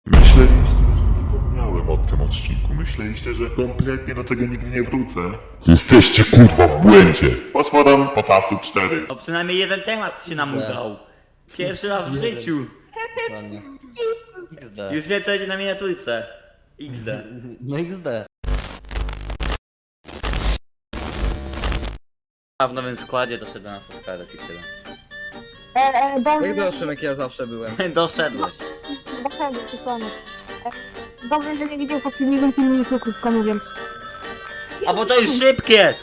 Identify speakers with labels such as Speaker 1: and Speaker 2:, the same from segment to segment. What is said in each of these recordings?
Speaker 1: Myśleliście, że zapomniałem o tym odcinku. Myśleliście, że kompletnie do tego nigdy nie wrócę. Jesteście kurwa w błędzie. Potworem potasu 4.
Speaker 2: No przynajmniej jeden temat się nam udał. Pierwszy raz w życiu.
Speaker 3: Dokładnie. XD.
Speaker 2: Już wie co będzie na miniaturce. XD.
Speaker 3: No XD.
Speaker 2: A w nowym składzie doszedł do nas Oscares i tyle.
Speaker 3: Jak
Speaker 4: Dobrze,
Speaker 3: doszłem, jak ja zawsze byłem.
Speaker 2: Doszedłeś.
Speaker 4: dobrze, to koniec. Dobrze, że nie widział poprzedniego filmiku, krótko mówiąc.
Speaker 2: A bo to jest szybkie!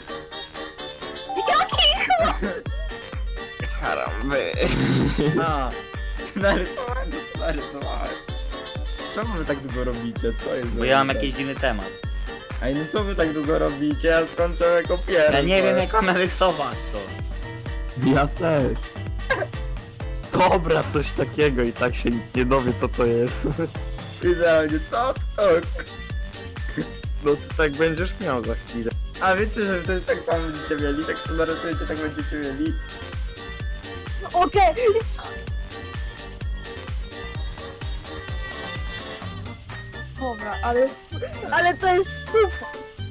Speaker 3: A, narysowałem. Czemu wy tak długo robicie? Co jest?
Speaker 2: Bo ja mam jakiś dziwny temat.
Speaker 3: Ej, no co wy tak długo robicie? Ja skończyłem jako pierwszy.
Speaker 2: Ja nie wiem jak mam rysować to.
Speaker 5: Ja też. Dobra, coś takiego i tak się nikt nie dowie co to jest.
Speaker 3: Idealnie, co to?
Speaker 5: No ty tak będziesz miał za chwilę.
Speaker 3: A wiecie, że wy też tak samo będziecie mieli? Tak samo narysujecie, tak będziecie mieli?
Speaker 4: Okej, Dobra, ale to jest super.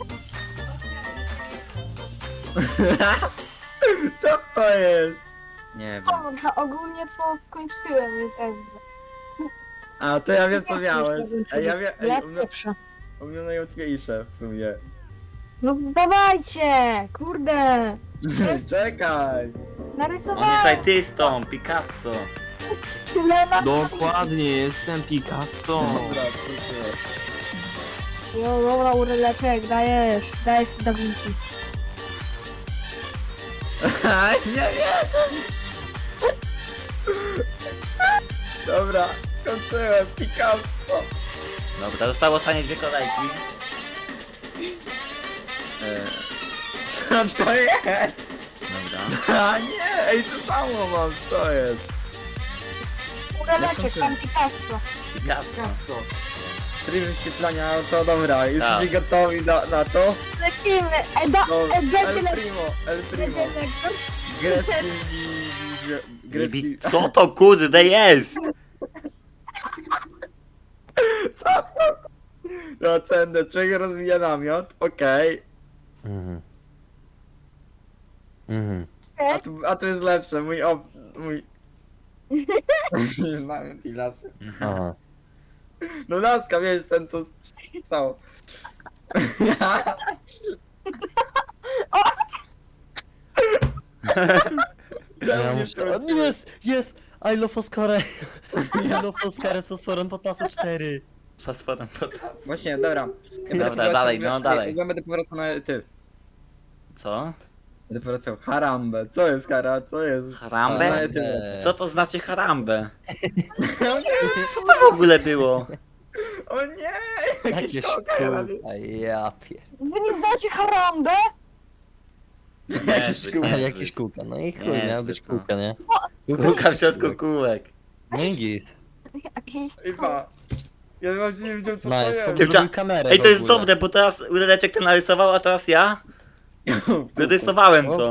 Speaker 3: Co to jest?
Speaker 2: Nie wiem.
Speaker 4: Dobra, ogólnie to skończyłem już Elzę.
Speaker 3: A, to ja wiem co miałeś. Ej, ja wiem,
Speaker 4: Ja
Speaker 3: ej,
Speaker 4: pierwsza.
Speaker 3: u mnie najłatwiejsze w sumie.
Speaker 4: No dawajcie, kurde.
Speaker 3: Czekaj!
Speaker 2: On jest
Speaker 4: Narysowałem.
Speaker 2: artystą, Picasso.
Speaker 5: Dokładnie, jestem Picasso.
Speaker 3: Dobra, proszę.
Speaker 4: No dobra, uryleczek, dajesz Da Vinci.
Speaker 3: Nie wierzę! Dobra, skończyłem, Picasso!
Speaker 2: Dobra, zostało ostatnie dwie kolejki.
Speaker 3: Co to jest?
Speaker 2: Dobra.
Speaker 3: A nie, ej, to samo mam, co jest?
Speaker 4: Uryleczek, tam Picasso.
Speaker 2: Picasso.
Speaker 3: Tryb wyświetlania, to dobra, jesteście
Speaker 2: Tak.
Speaker 3: gotowi na to?
Speaker 4: Lecimy,
Speaker 3: No,
Speaker 4: będzie
Speaker 3: El
Speaker 4: lecimy.
Speaker 3: Primo, El Primo.
Speaker 4: Będzie lekko.
Speaker 3: Grecki...
Speaker 2: Co to kurde jest?
Speaker 3: Co to? No, cenę, człowiek rozwija namiot, okej.
Speaker 5: Mhm. Mhm.
Speaker 3: A tu jest lepsze, mój... Namiot i lasy.
Speaker 5: Aha.
Speaker 3: No laska, wiesz, ten co stało.
Speaker 5: Ja
Speaker 3: nie
Speaker 5: muszę... O,
Speaker 3: wtrąciłeś?
Speaker 5: jest! I love Oscarę! I love Oscarę z fosforem potasu 4.
Speaker 2: Przesłodem potasu.
Speaker 3: Właśnie, dobra.
Speaker 2: Dobra, dalej, no dalej.
Speaker 3: Ja będę powracał na ty.
Speaker 2: Co?
Speaker 3: Będę powracał harambę. Co jest hara? Co jest?
Speaker 2: Harambę?
Speaker 3: Na ty wracam.
Speaker 2: Co to znaczy harambę? Co to w ogóle było?
Speaker 3: O nie! Jakieś
Speaker 5: Jakieś
Speaker 3: koka.
Speaker 5: kółka, ja pier...
Speaker 4: Wy nie znacie harambę?
Speaker 3: Jakieś kółka.
Speaker 2: Niezbyt.
Speaker 5: Jakieś kółka, no i chuj,
Speaker 2: Niezbyt,
Speaker 5: miała być
Speaker 2: no.
Speaker 5: kółka, nie?
Speaker 2: Kółka w środku kółek.
Speaker 5: Mingis.
Speaker 4: Jakiś...
Speaker 3: Chyba. Ja właśnie nie wiedział co
Speaker 5: No,
Speaker 3: to
Speaker 5: jest
Speaker 3: jest.
Speaker 5: zrobił kamerę
Speaker 2: Ej,
Speaker 5: w
Speaker 2: to jest
Speaker 5: ogóle.
Speaker 2: dobre, bo teraz Udaleczek to narysował, a teraz ja wyrysowałem to.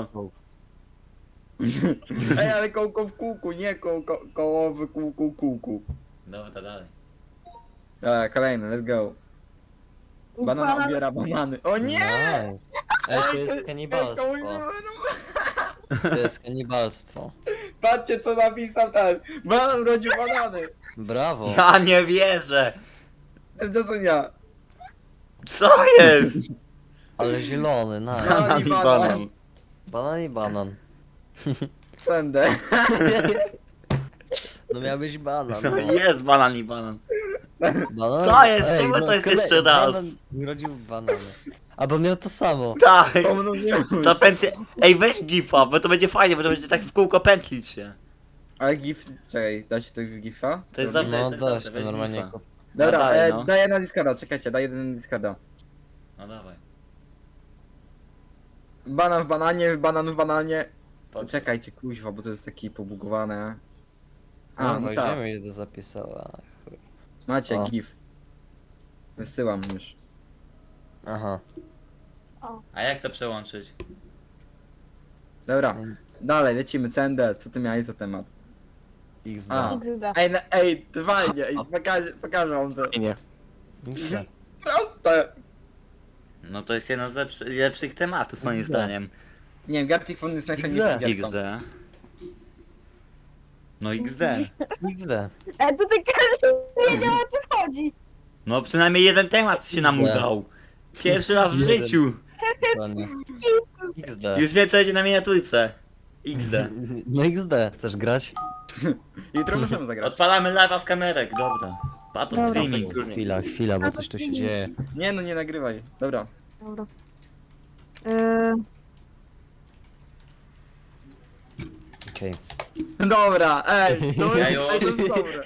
Speaker 3: Ej, ale kołko w kółku, nie koło w kółku.
Speaker 2: Dobra, dalej.
Speaker 3: Dobra, kolejny, let's go. Banan obiera banany. O nie!
Speaker 5: Nice. Ej, to jest
Speaker 3: Ej,
Speaker 5: kanibalstwo. To jest kanibalstwo.
Speaker 3: Patrzcie co napisał ten. Banan urodził banany.
Speaker 5: Brawo.
Speaker 2: Ja nie wierzę!
Speaker 3: Tymczasem ja.
Speaker 2: Co jest?
Speaker 5: Ale zielony, nice.
Speaker 3: Banan i banan.
Speaker 5: Banan i banan.
Speaker 3: Sędę.
Speaker 5: No miał być banan.
Speaker 2: No
Speaker 5: No.
Speaker 2: jest banan i banan.
Speaker 5: Banan?
Speaker 2: Co jest? Czemu to jest jeszcze raz?
Speaker 5: Banan urodził banany. Albo miał to samo.
Speaker 2: Tak!
Speaker 3: Pomnożyłem.
Speaker 2: Co pętli... Ej, weź gifa, bo to będzie fajnie, bo to będzie tak w kółko pętlić się.
Speaker 3: Ale gif, czekaj, da się to gifa?
Speaker 2: To jest
Speaker 3: Robię?
Speaker 2: dobrze.
Speaker 5: No
Speaker 2: tak
Speaker 5: da
Speaker 2: dobrze,
Speaker 5: się
Speaker 2: weź
Speaker 5: normalnie.
Speaker 2: gifa.
Speaker 3: Dobra,
Speaker 2: No dalej, no.
Speaker 3: daję na Discorda, czekajcie, daję na Discorda.
Speaker 2: No dawaj.
Speaker 3: Banan w bananie.
Speaker 2: Chodź.
Speaker 3: Czekajcie, kuźwa, bo to jest takie pobugowane. A,
Speaker 5: No,
Speaker 3: no
Speaker 5: no
Speaker 3: tak.
Speaker 5: wiemy ile to zapisała. Chuj.
Speaker 3: Macie
Speaker 5: O.
Speaker 3: gif. Wysyłam już.
Speaker 5: Aha.
Speaker 2: A jak to przełączyć?
Speaker 3: Dobra, dalej, lecimy, Cender, co ty miałeś za temat?
Speaker 5: XD.
Speaker 3: A.
Speaker 4: XD.
Speaker 3: Ej, fajnie, ej, pokażę wam to.
Speaker 6: Nie.
Speaker 5: XD.
Speaker 3: Proste!
Speaker 2: No to jest jeden z lepszych tematów moim
Speaker 5: XD.
Speaker 2: zdaniem.
Speaker 3: Nie wiem, Gartic Phone jest najfajniejszym gierką.
Speaker 2: XD. No XD.
Speaker 5: XD.
Speaker 4: Tutaj każdy nie wiedział, o co chodzi.
Speaker 2: No przynajmniej jeden temat się nam
Speaker 5: XD.
Speaker 2: udał. Pierwszy raz w
Speaker 5: Jeden.
Speaker 2: życiu.
Speaker 5: Dokładnie. XD.
Speaker 2: Już wiem co będzie na miniaturce. XD.
Speaker 5: No XD. Chcesz grać?
Speaker 3: Jutro możemy zagrać.
Speaker 2: Odpalamy live'a z kamerek, dobra. Pato
Speaker 4: Dobra.
Speaker 2: streaming.
Speaker 5: Chwila, bo coś tu się dzieje.
Speaker 3: Nie no, nie nagrywaj. Dobra.
Speaker 4: Dobra.
Speaker 5: Okej.
Speaker 3: Dobra, ej, to
Speaker 2: Ja
Speaker 3: jest,
Speaker 2: już.
Speaker 3: ej, to jest dobre.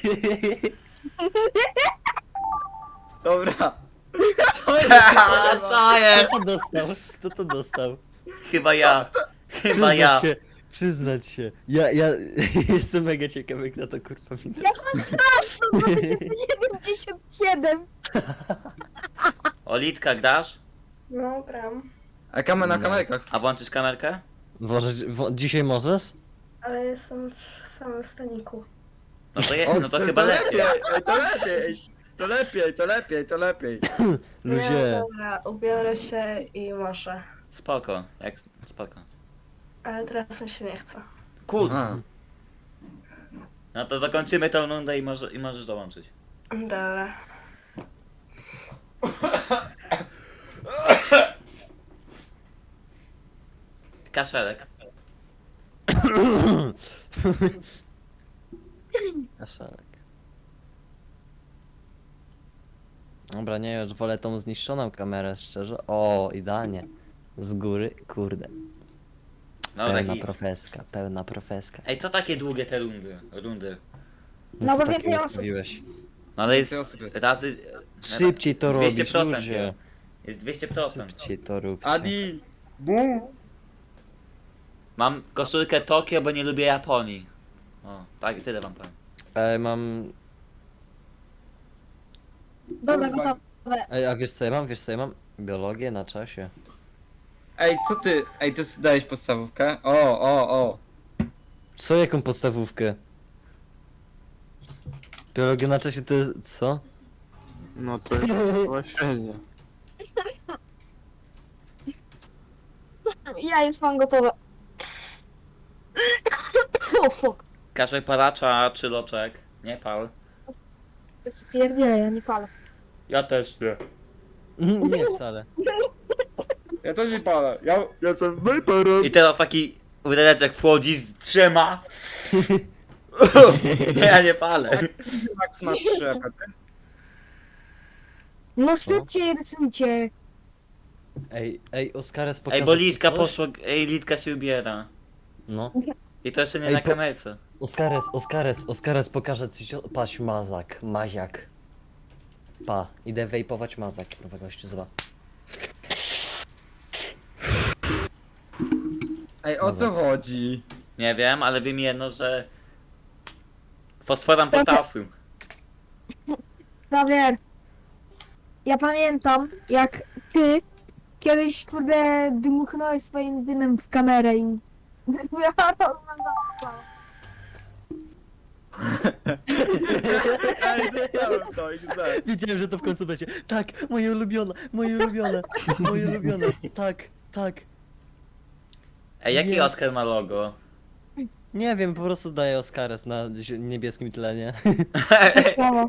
Speaker 3: Dobra. To jest
Speaker 2: Haha, co jest?
Speaker 5: Kto to dostał? Kto to dostał?
Speaker 2: Chyba ja. Chyba ja.
Speaker 5: Się, przyznać się. Ja jestem mega ciekawy, kto to kurwa mi
Speaker 4: Ja sam sprawdzę, 77.
Speaker 2: Olitka, grasz?
Speaker 7: No, gram,
Speaker 3: A kamer na kamerkach.
Speaker 2: A włączysz kamerkę?
Speaker 5: Dzisiaj możesz?
Speaker 7: ale jestem w samym staniku.
Speaker 2: No to,
Speaker 3: O,
Speaker 2: no to chyba lepiej.
Speaker 3: Ej, to lepiej, ej. To lepiej, to lepiej, to lepiej.
Speaker 7: Nie,
Speaker 5: Ludzie.
Speaker 7: dobra, ubiorę się i może.
Speaker 2: Spoko, jak spoko.
Speaker 7: Ale teraz mi się nie chce.
Speaker 2: Kurde.
Speaker 3: A.
Speaker 2: No to zakończymy tą rundę i możesz dołączyć.
Speaker 7: Dobra.
Speaker 2: Kaszelek.
Speaker 5: Kaszelek. Dobra, nie, już wolę tą zniszczoną kamerę, szczerze. O, idealnie. Z góry, kurde.
Speaker 2: No
Speaker 5: Pełna
Speaker 2: taki.
Speaker 5: profeska, pełna profeska.
Speaker 2: Ej, co takie długie te rundy?
Speaker 4: No bo
Speaker 5: to tak
Speaker 4: więcej osób.
Speaker 5: ustawiłeś.
Speaker 2: No ale jest
Speaker 3: Więcej osób jest.
Speaker 2: razy...
Speaker 5: Szybciej to robić,
Speaker 2: 200%
Speaker 5: ludzie.
Speaker 2: jest. Jest 200%.
Speaker 5: Szybciej to róbcie.
Speaker 3: Adi! Bu!
Speaker 2: Mam koszulkę Tokio, bo nie lubię Japonii. O, tak, tyle wam powiem.
Speaker 5: Mam...
Speaker 4: Dobra,
Speaker 3: Kurwa.
Speaker 4: gotowe.
Speaker 5: Ej, a wiesz co ja mam? Wiesz co ja mam? Biologię na czasie.
Speaker 3: Ej, co ty? Ej, ty dałeś podstawówkę? O.
Speaker 5: Co, jaką podstawówkę? Biologia na czasie to jest... co?
Speaker 6: No to jest właśnie.
Speaker 4: Ja już mam gotowe. O fuck.
Speaker 2: Kaszek palacza czy loczek? Nie pal.
Speaker 4: Spierdzielę, ja nie palę.
Speaker 2: Ja też nie.
Speaker 5: Nie wcale.
Speaker 3: Ja też nie palę. Ja jestem vaporem.
Speaker 2: I teraz taki udereczek wchodzi z 3. Nie, ja nie palę.
Speaker 3: Max ma 3 apety.
Speaker 4: No szybciej rysujcie.
Speaker 5: Ej, Oskares pokazał
Speaker 2: Ej, bo
Speaker 5: ci
Speaker 2: Litka
Speaker 5: coś?
Speaker 2: poszła, Litka się ubiera.
Speaker 5: No.
Speaker 2: I to jeszcze nie
Speaker 5: Ej,
Speaker 2: na
Speaker 5: po-
Speaker 2: kamerce.
Speaker 5: Oskares pokaże ci paść maziak. Pa, idę wejpować mazak, kurwa gościu, zobacz.
Speaker 3: Ej, o co chodzi?
Speaker 2: Nie wiem, ale wiem jedno, że... Fosforam
Speaker 4: Co to-
Speaker 2: potasium.
Speaker 4: Javier, ja pamiętam, jak ty kiedyś, kurde, dmuchnąłeś swoim dymem w kamerę i... Ja to oglądałam.
Speaker 3: Ej, dostałem to, XD.
Speaker 5: Wiedziałem, że to w końcu będzie. Tak, moje ulubione. Tak.
Speaker 2: Ej, jaki
Speaker 5: Jest.
Speaker 2: Oskar ma logo?
Speaker 5: Nie wiem, po prostu daję Oskares na niebieskim tlenie.
Speaker 4: Brawo.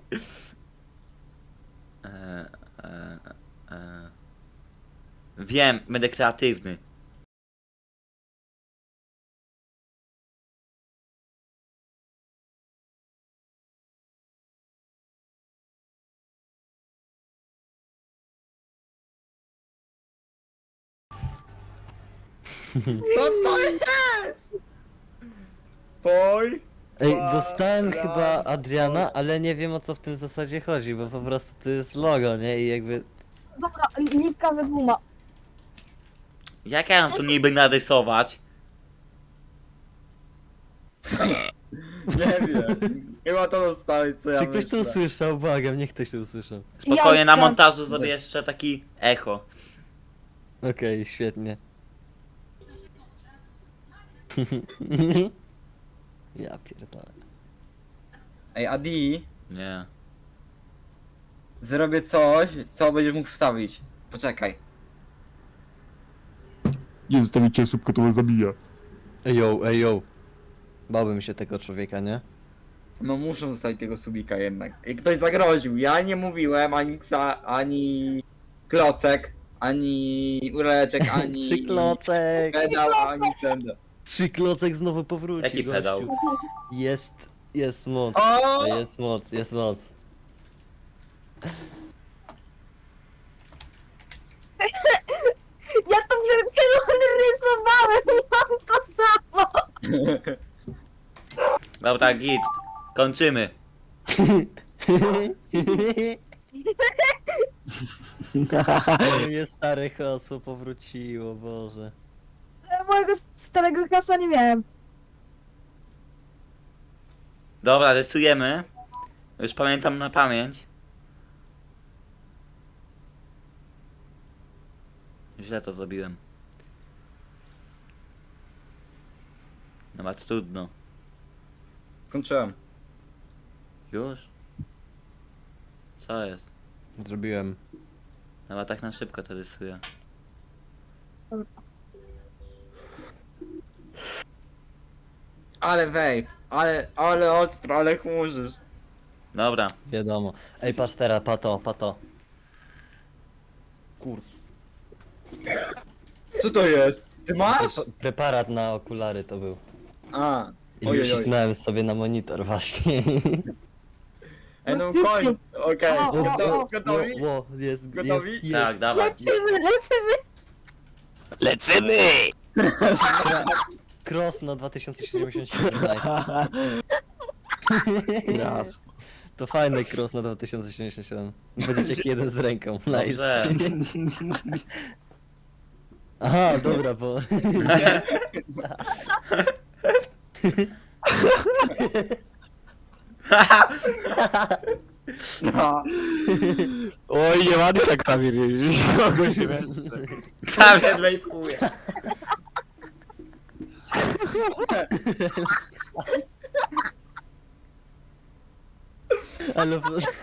Speaker 2: E, e, e. Wiem, będę kreatywny.
Speaker 3: Co to jest? Poj?
Speaker 5: Ej, dostałem chyba Adriana, ale nie wiem o co w tym zasadzie chodzi, bo po prostu to jest logo, nie? I jakby...
Speaker 4: Dobra, Litka ze guma.
Speaker 2: Jak ja mam tu niby narysować?
Speaker 3: Nie wiem. Chyba to dostałeś, co ja
Speaker 5: Czy ktoś to
Speaker 3: myślę.
Speaker 5: usłyszał? Błagam, niech ktoś to usłyszał.
Speaker 2: Spokojnie,
Speaker 4: Ja
Speaker 2: na
Speaker 4: chciałam-
Speaker 2: montażu zrobię jeszcze taki echo.
Speaker 5: Okej, świetnie. Ja pierdolę.
Speaker 3: Ej, Adi,
Speaker 2: Nie.
Speaker 3: zrobię coś, co będziesz mógł wstawić. Poczekaj.
Speaker 6: Nie zostawicie słupka, to was zabija.
Speaker 5: Ej yo. Bałbym się tego człowieka, nie?
Speaker 3: No muszę zostawić tego subika jednak. I ktoś zagroził. Ja nie mówiłem ani ani klocek, ani ureczek, ani
Speaker 5: Trzy klocek!
Speaker 3: pedał, ani ten.
Speaker 5: Trzy klocek znowu powrócił.
Speaker 2: Jaki
Speaker 5: gościu.
Speaker 2: pedał?
Speaker 5: Jest moc.
Speaker 3: O!
Speaker 5: Jest moc.
Speaker 4: Ja to przed chwilą rysowałem i mam to samo.
Speaker 2: Dobra, git. Kończymy.
Speaker 5: Moje stare hasło powróciło, Boże.
Speaker 4: Mojego starego hasła nie miałem.
Speaker 2: Dobra, rysujemy. Już pamiętam na pamięć. Źle to zrobiłem. No ma trudno.
Speaker 3: Skończyłem.
Speaker 2: Już? Co jest?
Speaker 5: Zrobiłem.
Speaker 2: Chyba tak na szybko to rysuję.
Speaker 3: Ale wej, ale ostro, ale chmurzysz.
Speaker 2: Dobra.
Speaker 5: Wiadomo. Ej, patrz teraz, pato.
Speaker 3: Co to jest? Ty masz?
Speaker 5: Preparat na okulary to był.
Speaker 3: A,
Speaker 5: I
Speaker 3: ojojoj.
Speaker 5: wsiknąłem sobie na monitor właśnie.
Speaker 3: Ej no koń, okej.
Speaker 4: O, o, o.
Speaker 3: Gotowi?
Speaker 5: Jest,
Speaker 3: Gotowi?
Speaker 5: jest.
Speaker 2: Tak, dawaj.
Speaker 4: Lecimy.
Speaker 5: Cross na 2077.
Speaker 6: Raz.
Speaker 5: To fajny cross na 2077. Będziecie jak jeden z ręką. Nice.
Speaker 2: Dobrze.
Speaker 5: Aha, dobra, bo...
Speaker 3: No.
Speaker 6: Oj, nie ładnie tak tam jeździć. Kogo się
Speaker 2: Kamień lejkuje.
Speaker 5: Ale...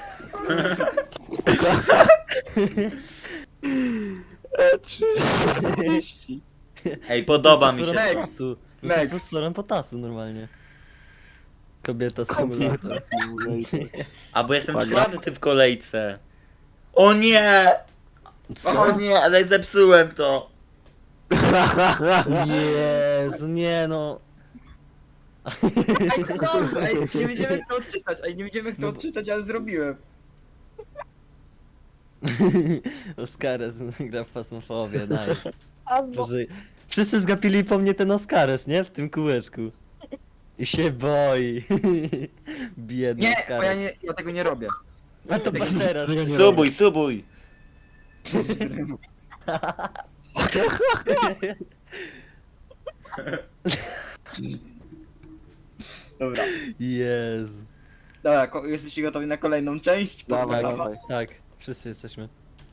Speaker 6: E30.
Speaker 2: Ej, podoba mi się
Speaker 5: Fosforem
Speaker 2: to.
Speaker 5: potasu.
Speaker 3: Next.
Speaker 5: To jest fosforem potasu normalnie. Kobieta symulator.
Speaker 2: A bo jestem
Speaker 6: Uwaga.
Speaker 2: czwarty w kolejce. O nie!
Speaker 5: Co?
Speaker 2: O nie, ale zepsułem to.
Speaker 5: Jezu, nie no.
Speaker 3: Ej, to dobrze, ej, nie będziemy kto odczytać, nie będziemy kto odczytać, ale zrobiłem.
Speaker 5: Oscares gra w pasmofobię, nice.
Speaker 4: Albo
Speaker 5: Boże, wszyscy zgapili po mnie ten Oscares, nie? W tym kółeczku. I się boi. Biedny
Speaker 3: Nie, bo
Speaker 5: Oscares.
Speaker 3: ja tego nie robię.
Speaker 5: A to patrz teraz.
Speaker 2: Subuj, subuj.
Speaker 3: Dobra.
Speaker 5: Jezu.
Speaker 3: Dobra, jesteście gotowi na kolejną część?
Speaker 6: Dawaj,
Speaker 3: Podprawa?
Speaker 6: dawaj.
Speaker 5: Tak, wszyscy jesteśmy.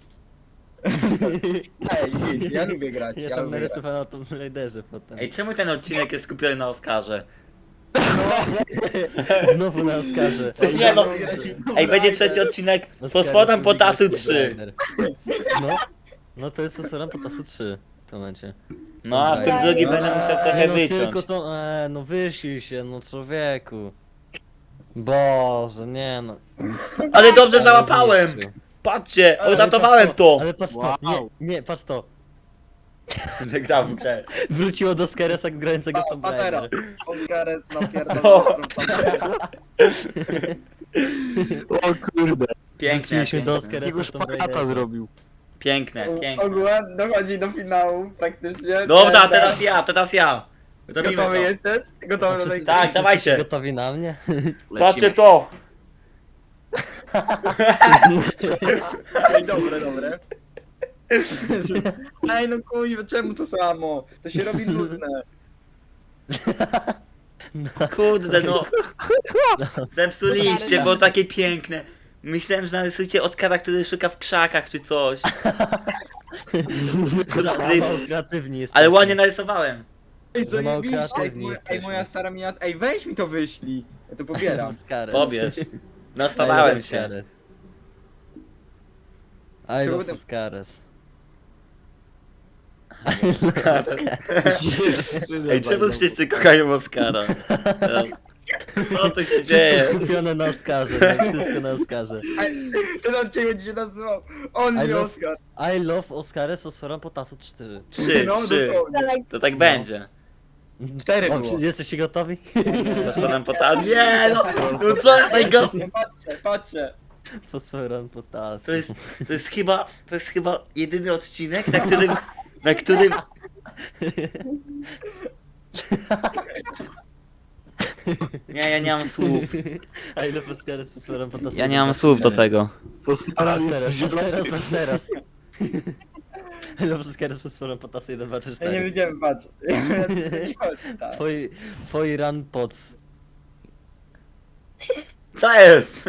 Speaker 3: Ej, nic, ja lubię grać,
Speaker 5: Ja
Speaker 3: ja
Speaker 5: tam
Speaker 3: lubię grać.
Speaker 5: narysowałem na tym Raiderze potem.
Speaker 2: Ej, czemu ten odcinek jest skupiony na Oscarze?
Speaker 5: Znowu na Oscarze.
Speaker 2: Nie no. Ej, będzie trzeci odcinek Fosforem Potasu 3.
Speaker 5: No to jest Fosforem Potasu 3 w tym momencie.
Speaker 2: No a w tym drugim będę musiał trochę
Speaker 5: no
Speaker 2: wyciąć.
Speaker 5: tylko to, no wysił się, no człowieku. Boże, nie no.
Speaker 2: Ale dobrze
Speaker 5: Ale
Speaker 2: załapałem!
Speaker 5: zniszczył.
Speaker 2: Patrzcie,
Speaker 5: Ale
Speaker 2: odratowałem
Speaker 5: patrz
Speaker 2: to!
Speaker 5: Ale patrz to,
Speaker 6: Wow.
Speaker 5: nie, patrz to.
Speaker 2: Gra w grę.
Speaker 5: Wróciło do Skeresa grającego w Tomb
Speaker 3: Patera.
Speaker 5: Raider.
Speaker 3: Oscares
Speaker 2: O.
Speaker 3: napierdolę.
Speaker 6: O kurde.
Speaker 2: Piękne,
Speaker 5: Wróciliśmy do
Speaker 2: piękne.
Speaker 5: Oscaresa
Speaker 6: Jakiego
Speaker 5: w Tomb
Speaker 6: szpagata
Speaker 5: Raiderze.
Speaker 6: zrobił.
Speaker 2: Piękne, piękne.
Speaker 3: Ogółem dochodzi do finału praktycznie.
Speaker 2: Dobra, teraz ja. Robimy
Speaker 3: Gotowy
Speaker 2: to.
Speaker 3: jesteś? Gotowy do tej
Speaker 2: Tak,
Speaker 5: Wszyscy
Speaker 2: dawajcie.
Speaker 5: jesteście gotowi na mnie?
Speaker 2: Patrzcie to!
Speaker 3: Ej, dobre. Ej, no kuźwa, czemu to samo? To się robi nudne.
Speaker 2: Kurde no. Zepsuliście, bo takie piękne. Myślałem, że narysujcie Oscara, który szuka w krzakach czy coś.
Speaker 5: Mało kreatywni jesteśmy.
Speaker 2: Ale ładnie narysowałem.
Speaker 3: Ej,
Speaker 5: Za mało
Speaker 3: zajebiście.
Speaker 5: kreatywni
Speaker 3: Ej,
Speaker 5: jesteśmy.
Speaker 3: moja stara miniatura. Ej, weź mi to wyślij. Ja to pobieram.
Speaker 5: Oscares.
Speaker 2: Pobierz. Nastanałem się.
Speaker 5: Oscares. I love
Speaker 3: Trudno.
Speaker 5: Oscares.
Speaker 2: Ej, czemu wszyscy kochają Oscara? Co tu się
Speaker 5: Wszystko
Speaker 2: dzieje?
Speaker 5: skupione na Oscarze, nie? Wszystko na Oscarze.
Speaker 3: Ten odcinek będzie się nazywał Only
Speaker 5: I love-
Speaker 3: Oscar.
Speaker 5: I love Oscares fosforem potasu 4.
Speaker 2: 3,
Speaker 3: No
Speaker 2: 3.
Speaker 3: dosłownie.
Speaker 4: Tak,
Speaker 2: To tak będzie.
Speaker 3: 4
Speaker 5: O,
Speaker 3: było.
Speaker 5: jesteście gotowi?
Speaker 2: Zastanam potem. Nie no! No co tego?
Speaker 3: Patrzę.
Speaker 5: Fosforem potasu.
Speaker 2: To jest chyba jedyny odcinek, na którym Nie, ja nie mam słów.
Speaker 5: I love Oscares fosforem potasu.
Speaker 2: Ja nie mam słów do tego.
Speaker 6: Fosfora
Speaker 5: Teraz,
Speaker 6: jest zielony.
Speaker 5: teraz. I love Oscares fosforem potasu 1, 2, 3,
Speaker 3: Ja nie
Speaker 5: 4.
Speaker 3: wiedziałem, patrz. Tak.
Speaker 5: Twoi run pots.
Speaker 2: Co jest?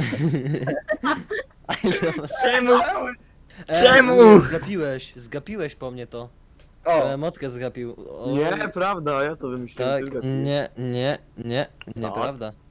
Speaker 5: I love...
Speaker 2: Czemu? Czemu?
Speaker 5: Zgapiłeś po mnie to.
Speaker 3: O,
Speaker 5: Motkę zgapił. O,
Speaker 6: Nie, prawda, ja to wymyśliłem.
Speaker 5: tak,
Speaker 6: ty zgadnij.
Speaker 5: nieprawda.